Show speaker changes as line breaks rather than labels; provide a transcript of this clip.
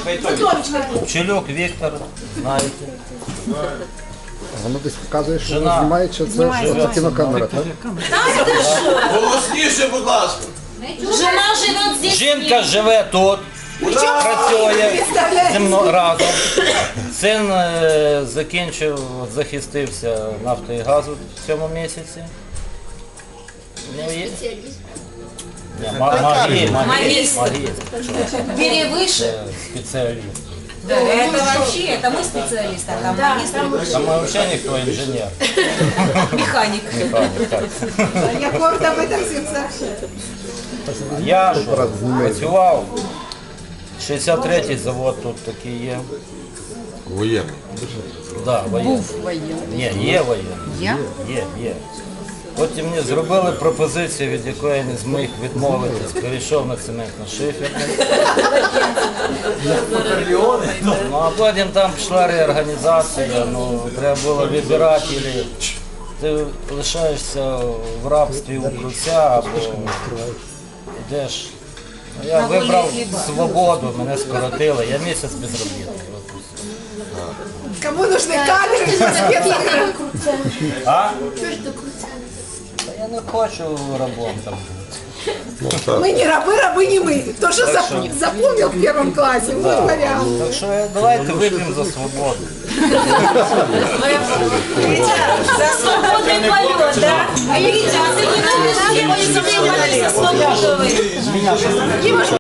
Пчелюк Віктор, знаєте.
Воно десь показує, що
Жена.
воно знімає, чи це кінокамера, так?
Голосніше, будь ласка.
Жена живет здесь.
Жінка живе тут, працює зі мною разом. Син закінчив, захистився нафтою і газу в цьому місяці. Магістр.
Бери выше.
Спеціаліст.
Да, это вообще, это мы специалисты, а там магистр,
Там взагалі ніхто інженер.
механик.
Егор об этом всем сообщает.
Я що, працював. 63-й завод тут такий є.
Воєнний.
Да, воєнний. Ні, є воєнний. Є. Потім мені зробили пропозицію, від якої я не зміг відмовитись. Перейшов на цементно-шиферний. Ну, а потім там пішла реорганізація, треба було вибирати, або ти лишаєшся в рабстві у круця, або йдеш. Ну, я вибрав свободу, мене скоротили, я місяць безробітний.
Кому нужны кадры?
А? Та я не хочу рабом там бути.
Мы не рабы, рабы не мы. То, что запомнил в первом классе, вот вариант.
Так що давайте вип'ємо за свободу.
За свободный полет, да? А Витя, а ты не думаешь, что мы за свободу?